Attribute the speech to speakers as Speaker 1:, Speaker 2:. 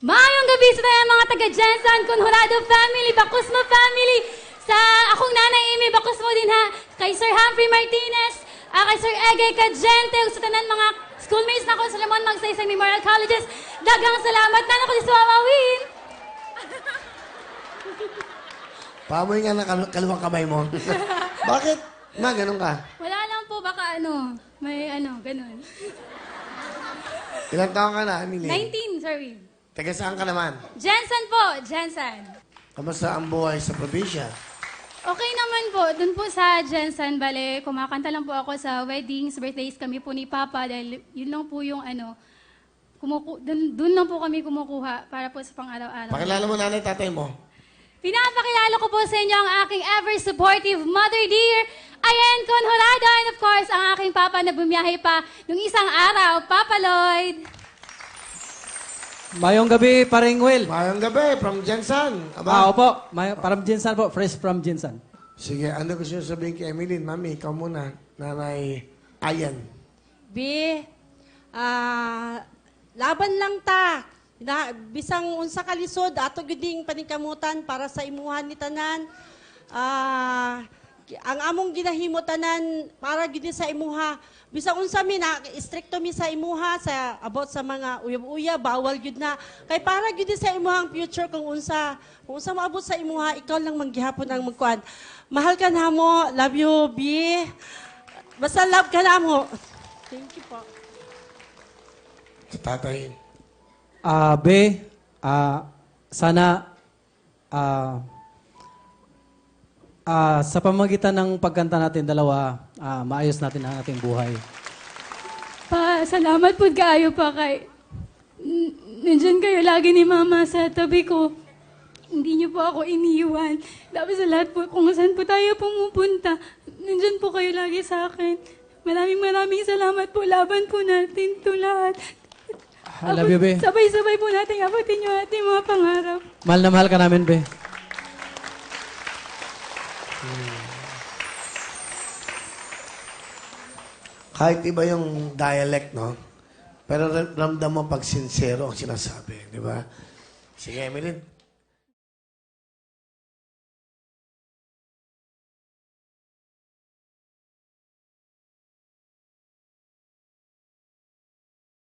Speaker 1: Maayong gabi sa tayo mga taga-Jensen, Conjurado family, Bacusmo family, sa akong nanay Amy Bacusmo din ha, kay Sir Humphrey Martinez, kay Sir Ege Cagente, sa tanan mga schoolmates na ko sa Lamon Magsaysay Memorial Colleges. Dagang salamat na ako si Suwawawin.
Speaker 2: Pamoy nga ng kaliwang kamay mo. Bakit? Ma, ganun ka?
Speaker 1: Wala lang po, baka may ganun.
Speaker 2: Ilang taon ka na, Emily?
Speaker 1: 19, sorry.
Speaker 2: Taga saan ka naman?
Speaker 1: Jensen po, Jensen.
Speaker 2: Kamusta ang buhay sa probinsya?
Speaker 1: Okay naman po, dun po sa Jensen, bale, kumakanta lang po ako sa weddings, birthdays kami po ni Papa dahil yun lang po yung dun lang po kami kumukuha para po sa pang-araw-araw.
Speaker 2: Pakilala mo nanay tatay mo.
Speaker 1: Pinapakilala ko po sa inyo ang aking ever-supportive mother dear, Ayen Conjurado, and of course, ang aking papa na bumiyahe pa nung isang araw, Papa Lloyd.
Speaker 3: Mayong gabi, paring Will.
Speaker 2: Mayang gabi, from Jensen. Aba.
Speaker 3: Opo. From Jinsan po. Fresh from Jinsan.
Speaker 2: Sige, ano gusto nyo sabihin kay Emily? Mami, ikaw muna. Nanay Ayan.
Speaker 4: Laban lang ta. Bisang unsa ka lisod, ato guding paningkamutan para sa imuhan ni tanan. Ang among ginahimo tanan para gid sa imuha. Bisang unsa mi na stricto mi sa imuha sa about sa mga uyab-uyab, bawal gid na. Kay para gid sa imuhang future kung unsa maabot sa imuha, ikaw lang manggihapon ang magkuan. Mahal ka namo, love you, B. Basta love ka namo. Thank you po.
Speaker 2: Sa tatay.
Speaker 3: Sana sa pamagitan ng pagkanta natin dalawa, maayos natin ang ating buhay.
Speaker 1: Salamat po kayo pa kay... Nandyan kayo lagi ni Mama sa tabi ko. Hindi niyo po ako iniwan. Tapos sa lahat po, kung saan po tayo pumupunta, nandyan po kayo lagi sa akin. Maraming salamat po. Laban po natin ito lahat.
Speaker 3: I love you, Be.
Speaker 1: Sabay-sabay po natin abutin yung ating mga pangarap.
Speaker 3: Mahal na mahal ka namin, Be.
Speaker 2: Kahit iba yung dialect, no? Pero ramdam mo pag sincero ang sinasabi, di ba? Sige, Emily,